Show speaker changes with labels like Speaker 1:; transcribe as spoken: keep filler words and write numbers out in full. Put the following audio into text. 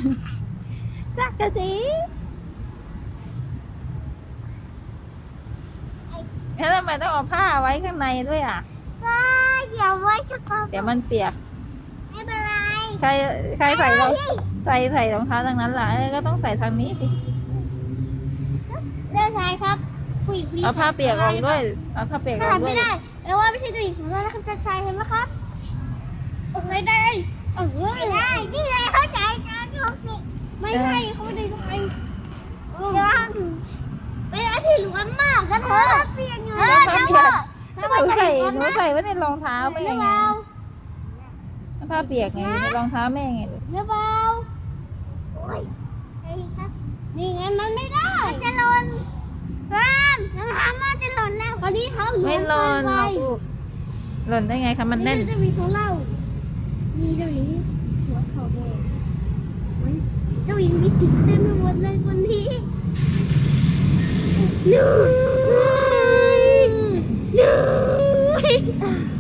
Speaker 1: จักกะจีแล้วทำไมต้องเอาผ้าไว้ข้างในด้วยอ่ะ
Speaker 2: ก็อย่าไว้ช็อกโกแลต
Speaker 1: เดี๋ยวมันเปียก
Speaker 2: ไม่เป็นไร
Speaker 1: ใครใครใส่รองใส่ใส่รองเท้าทางนั้นล่ะเอ้ยก็ต้องใส่ทางนี้สิ
Speaker 2: เดินสายครับผู้หญิง
Speaker 1: เอาผ้าเปียกออกด้วยเอาผ้าเปียกอ
Speaker 2: ถ้า
Speaker 1: อก
Speaker 2: ทำ
Speaker 1: ด้ว
Speaker 2: ไม่
Speaker 1: ย
Speaker 2: ได้แปลว่าไม่ใช่ตัวหญิงของเรานะครับจะชายเห็นไหมครับไม่ได้เออไม่ได้นี่ไงเข้าใจการลงสิไม่ใช่เขาไม่ได้ทำไมยังเป็นอะไรที่ล้วนมากกันเถอะเปียกอยู่เออจะว่า
Speaker 1: หนูใส่หนูใส่ไว้ในรองเท้าไม่
Speaker 2: หรื
Speaker 1: ยั
Speaker 2: อง
Speaker 1: ไง
Speaker 2: เปล่า
Speaker 1: ผ้าเปียกไงอยู่ในรองเท้าแม่ไงลูก
Speaker 2: หรือเปล่าโอ้ยนี่ไงมันไม่ได้จะหล่นรามรองเท้ามันจะหล่นแล้วตอนนี้เท้า
Speaker 1: ไม่หล่นหรอกลูกหล่นได้ไงคะมันแน่น
Speaker 2: จะมีของเรามีเจ้าหญิงหัวเขาแดงเจ้าหญิงมีสีเต็มไปหมดเลยวันนี้นู่นนู่น